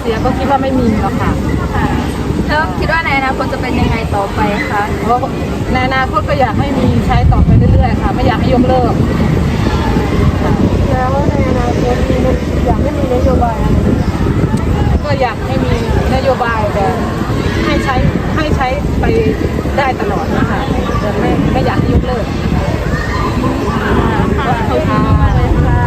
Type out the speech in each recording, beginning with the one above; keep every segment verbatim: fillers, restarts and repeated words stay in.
สียก็คิดว่าไม่มีหรอกค่ะค่ะแล้วคิดว่าในอนาคตจะเป็นยังไงต่อไปคะเพราะในอนาคตก็อยากให้มีใช้ต่อไปเรื่อยๆค่ะไม่อยากให้ยกเลิกแล้วในอนาคตมีอยากให้มีนโยบายอะไรก็อยากให้มีนโยบายแบบให้ใช้ให้ใช้ไปได้ตลอดนะคะแต่ไม่ไม่อยากให้ยกเลิกค่ะขอบคุณมากเลยค่ะ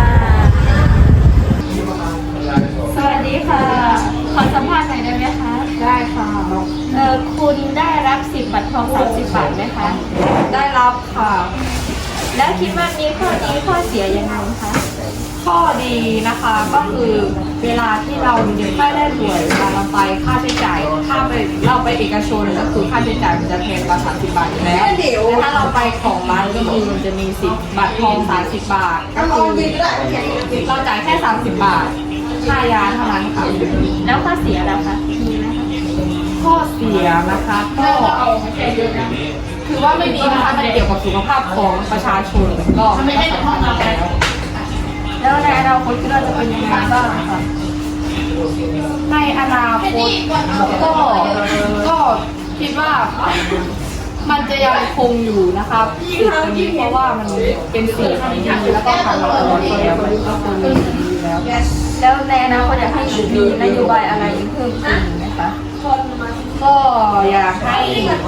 สวัสดีค่ะขอสัมภาษณ์หน่อยได้ไหมคะได้ค่ะเอ่อคุณได้รับสิบบัตรทองสามสิบบาทไหมคะได้รับค่ะแล้วคิดว่ามีข้อดีข้อเสียยังไงคะข้อดีนะคะก็คือเวลาที่เราไม่ได้ป่วยเวลาเราไปค่าใช้จ่ายถ้าไปเราไปเอกชนก็คือค่าใช้จ่ายมันจะแพงกว่าสามสิบบาทอยู่แล้วแต่ถ้าเราไปของร้านก็คือมันจะมีสิบบัตรทองสามสิบบาทก็คือเราจ่ายแค่สามสิบบาทค่ายาเท่านั้นค่ะแล้วข้อเสียแล้วคะมีไหมคะข้อเสียนะคะก็คือว่าไม่มีนะคะมันเกี่ยวกับสุขภาพของประชาชนก็ไม่ได้สำคัญแล้วแล้วในอนาคตคิดว่าจะเป็นยังไงบ้างคะในอนาคตก็ก็คิดว่ามันจะยังคงอยู่นะคะสิ่งนี้เพราะว่ามันเป็นสิ่งที่ดีแล้วก็ทำมาตลอดแล้วก็คงมีอยู่แล้วแล้วในอนาคตอยากให้มีนโยบายอะไรเพิ่มขึ้นไหมคะก็อยากให้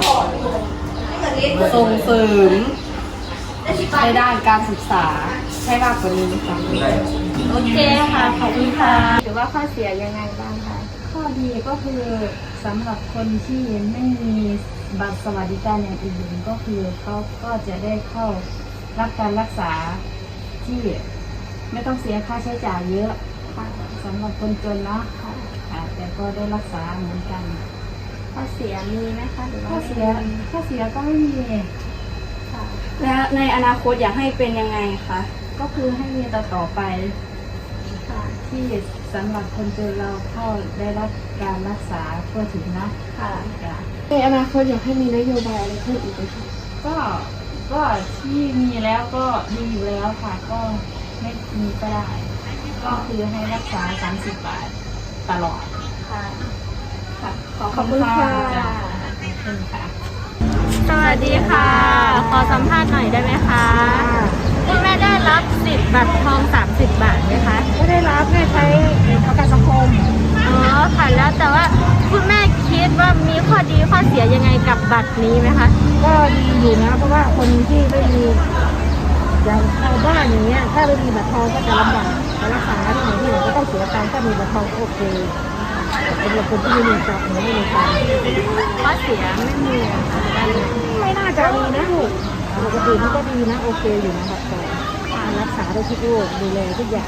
ส่งเสริมในด้านการศึกษาให้มากกว่านี้ค่ะโอเคค่ะขอบคุณค่ะหรือว่าข้อเสียยังไงบ้างคะข้อดีก็คือสำหรับคนที่ไม่มีบัตรสวัสดิการอย่างอื่นก็คือเขาก็จะได้เข้ารับการรักษาที่ไม่ต้องเสียค่าใช้จ่ายเยอะสำหรับคนจนเนาะแต่ก็ได้รักษาเหมือนกันข้อเสียมีไหมคะหรือว่าข้อเสียข้อเสียก็ไม่มีแล้วในอนาคตอยากให้เป็นยังไงคะก็คือให้มีต่อต่อไปที่สำหรับคนจนเราเข้าได้รับการรักษาทั่วถึงนะค่ะในอนาคตอยากให้มีนโยบายอะไรเพิ่มอีกไหมคะก็ก็ที่มีแล้วก็ดีอยู่แล้วค่ะก็ไม่มีก็ได้ก็คือให้รักษาสามสิบบาทตลอดค่ะค่ะขอบคุณค่ะขอบคุณค่ะสวัสดีค่ะขอสัมภาษณ์หน่อยได้ไหมคะคุณแม่ได้รับสิทธิ์บัตรทองสามสิบบาทไหมคะไม่ได้รับแม่ใช้ประกันสังคมอ๋อค่ะแล้วแต่ว่าคุณแม่คิดว่ามีข้อดีข้อเสียยังไงกับบัตรนี้ไหมคะก็ดีอยู่นะเพราะว่าคนที่ไม่มีอย่างชาวบ้านอย่างเงี้ยถ้าไม่มีบัตรทองก็จะลำบากไปรักษาที่ไหนที่ไหนก็ต้องเสียตังค์ถ้ามีบัตรทองโอเคสำหรับคนที่ไม่มีจับไม่มีตังค์ข้อเสียไม่มีไม่น่าจะมีนะลูกปกติมันก็ดีนะโอเคอยู่นะบัตรทองรักษาได้ทุกโรคดูแลทุกอย่าง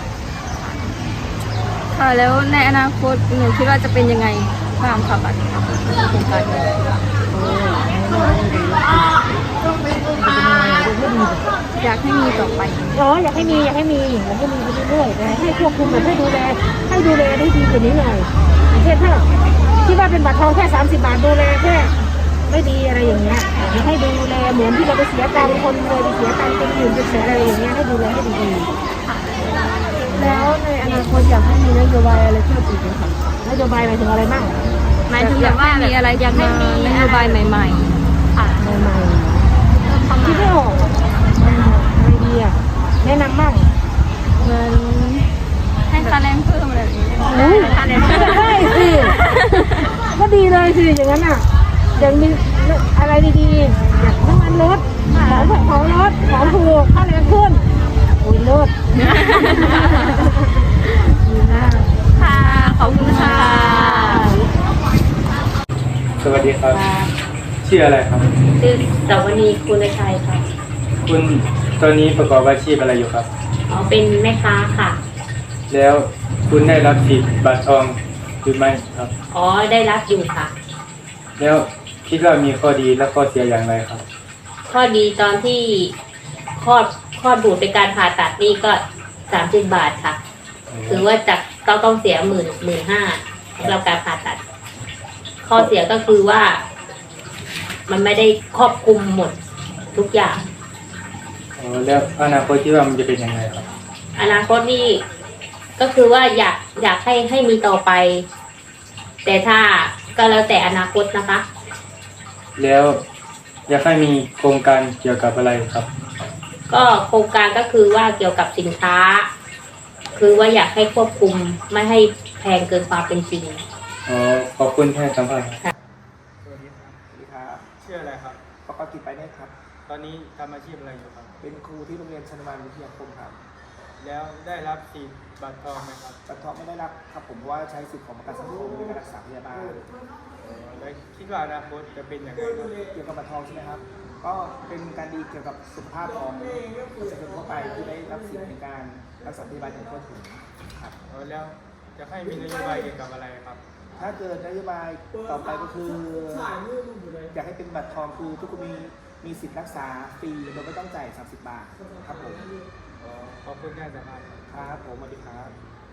ค่ะแล้วในอนาคตหนูคิดว่าจะเป็นยังไงบ้างคะบัตรโครงการอยากให้มีต่อไปอ๋ออยากให้มีอยากให้มีอยากให้มีไปเรื่อยๆแต่ให้ควบคุมแบบให้ดูแลให้ดูแลได้ดีกว่านี้หน่อยอย่างเช่นถ้าที่ว่าเป็นบัตรทองแค่สามสิบบาทดูแลแค่ไม่ดีอะไรอย่างเงี้ยอยากให้ดูแลเหมือนที่เราไปเสียตังค์คนเลยไปเสียตังค์เป็นหมื่นเป็นแสนอะไรอย่างเงี้ยให้ดูแลให้ดีๆแล้วในอนาคตอยากให้มีนโยบายอะไรเพิ่มอีกไหมคะนโยบายหมายถึงอะไรบ้างหมายถึงแบบว่ามีอะไรอยากให้มีนโยบายใหม่ๆค่ะใหม่ๆที่ไม่ออกอะไรดีอ่ะแนะนำบ้างเหมือนให้ค่าแรงเพิ่มอะไรแบบนี้ค่าแรงได้สิก็ดีเลยสิอย่างนั้นอ่ะอย่างมีอะไรดีๆอย่างน้ำมันรถของของรถของถูกค่าแรงขึ้นอุ้ยรถดีมากค่ะขอบคุณค่ะสวัสดีครับชื่ออะไรครับชื่อสวนีคุณชัยค่ะคุณตอนนี้ประกอบอาชีพอะไรอยู่ครับอ๋อเป็นแม่ค้าค่ะแล้วคุณได้รับสิทธิ์บัตรทองหรือไม่ครับอ๋อได้รับอยู่ค่ะแล้วคิดว่ามีข้อดีและข้อเสียอย่างไรครับข้อดีตอนที่คลอดคลอดบุตรเป็นการผ่าตัดนี่ก็สามสิบบาทค่ะถือว่าจากต้องต้องเสียหมื่นหมื่นห้าสำหรับการผ่าตัดข้อเสียก็คือว่ามันไม่ได้ครอบคลุมหมดทุกอย่างอ๋อแล้วอนาคตคิดว่ามันจะเป็นยังไงครับอนาคตนี่ก็คือว่าอยากอยากให้ให้มีต่อไปแต่ถ้าก็แล้วแต่อนาคตนะคะแล้วอยากให้มีโครงการเกี่ยวกับอะไรครับก็โครงการก็คือว่าเกี่ยวกับสินค้า คือว่าอยากให้ควบคุมไม่ให้แพงเกินความเป็นจริงอ๋อขอบคุณที่ให้สัมภาษณ์สวัสดีครับสวัสดีครับชื่ออะไรครับปกติไปเนี่ยครับตอนนี้ทำอาชีพอะไรอยู่ครับเป็นครูที่โรงเรียนชนบาลวิทยาคมครับแล้วได้รับสิทธิ์บัตรทองไหมครับบัตรทองไม่ได้รับครับผมเพราะว่าใช้สิทธิ์ของประกันสังคมในการรักษาพยาบาลแล้วคิดว่าอนาคตจะเป็นอย่างไรครับเกี่ยวกับบัตรทองใช่ไหมครับ ก็เป็นการดีเกี่ยวกับสุขภาพของประชาชนทั่วไปที่ได้รับสิทธิ์ในการรักษาพยาบาลอย่างทั่วถึงครับแล้วจะให้มีนโยบายเกี่ยวกับอะไรครับถ้าเกิดนโยบายต่อไปก็คืออยากให้เป็นบัตรทองคือทุกคนมีมีสิทธิ์รักษาฟรีโดยไม่ต้องจ่ายสามสิบบาทครับผมขอบคุณที่ให้สัมภาษณ์ครับครับผมสวัสดีครับ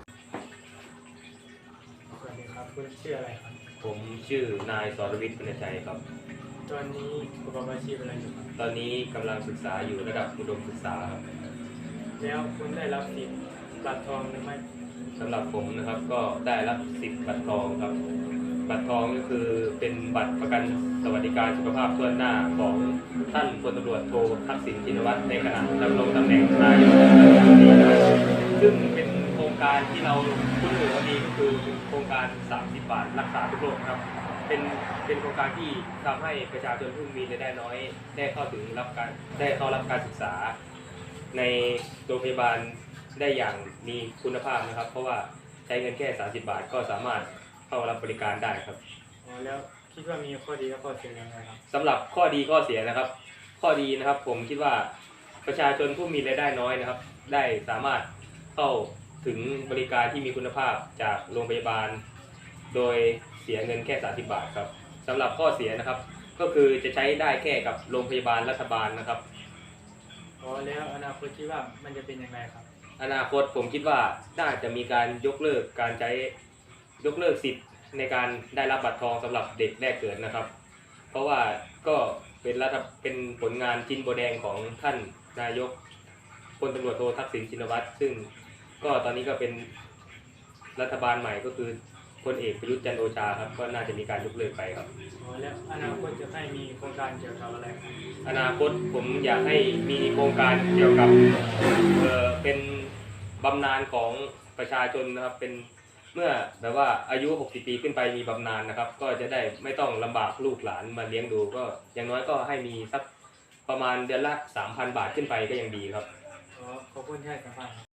สวัสดีครับ คุณชื่ออะไรครับผมชื่อนายสรวิทย์ปุณชัยครับตอนนี้ประกอบอาชีพอะไรอยู่ครับตอนนี้กำลังศึกษาอยู่ระดับอุดมศึกษาครับแล้วคุณได้รับสิทธิ์บัตรทองหรือไม่สำหรับผมนะครับก็ได้รับสิทธิ์บัตรทองครับ บัตรทองก็คือเป็นบัตรประกันสวัสดิการสุขภาพทั่วหน้าของท่านพลตำรวจโททักษิณชินวัตรในขณะดำรงตำแหน่งนายกรัฐมนตรีซึ่งเป็นโครงการที่เราคุ้นหูกันดีก็คือเป็นโครงการสามสิบบาทรักษาทุกโรคครับ เป็นเป็นโครงการที่ทำให้ประชาชนผู้มีรายได้น้อย ได้เข้าถึงรับการได้เข้ารับการศึกษา ในโรงพยาบาลได้อย่างมีคุณภาพนะครับ เพราะว่าใช้เงินแค่สามสิบบาทก็สามารถเข้ารับบริการได้ครับอ๋อแล้วคิดว่ามีข้อดีและข้อเสียยังไงครับสำหรับข้อดีข้อเสียนะครับ ข้อดีนะครับผมคิดว่าประชาชนผู้มีรายได้น้อยนะครับ ได้สามารถเข้าถึงบริการที่มีคุณภาพจากโรงพยาบาล โดยเสียเงินแค่สามสิบบาทครับสำหรับข้อเสียนะครับ ก็คือจะใช้ได้แค่กับโรงพยาบาลรัฐบาลนะครับอ๋อแล้วอนาคตคิดว่ามันจะเป็นยังไงครับอนาคตผมคิดว่าน่าจะมีการยกเลิกการใช้ยกเลิกสิทธิ์ในการได้รับบัตรทองสำหรับเด็กแรกเกิดนะครับ เพราะว่าก็เป็นรัฐเป็นผลงานชิ้นโบแดงของท่านนายกพลตำรวจโททักษิณชินวัตรซึ่งก็ตอนนี้ก็เป็นรัฐบาลใหม่ก็คือพลเอกประยุทธ์จันทร์โอชาครับก็น่าจะมีการยกเลิกไปครับอ๋อแล้วอนาคตจะให้มีโครงการเกี่ยวกับอะไรครับอนาคตผมอยากให้มีโครงการเกี่ยวกับเอ่อเป็นบำนาญของประชาชนนะครับเป็นเมื่อแบบว่าอายุหกสิบปีขึ้นไปมีบำนาญนะครับ ก็จะได้ไม่ต้องลำบากลูกหลานมาเลี้ยงดูก็อย่างน้อยก็ให้มีสักประมาณเดือนละ สามพัน บาทขึ้นไปก็ยังดีครับอ๋อขอบคุณที่ให้สัมภาษณ์ครับ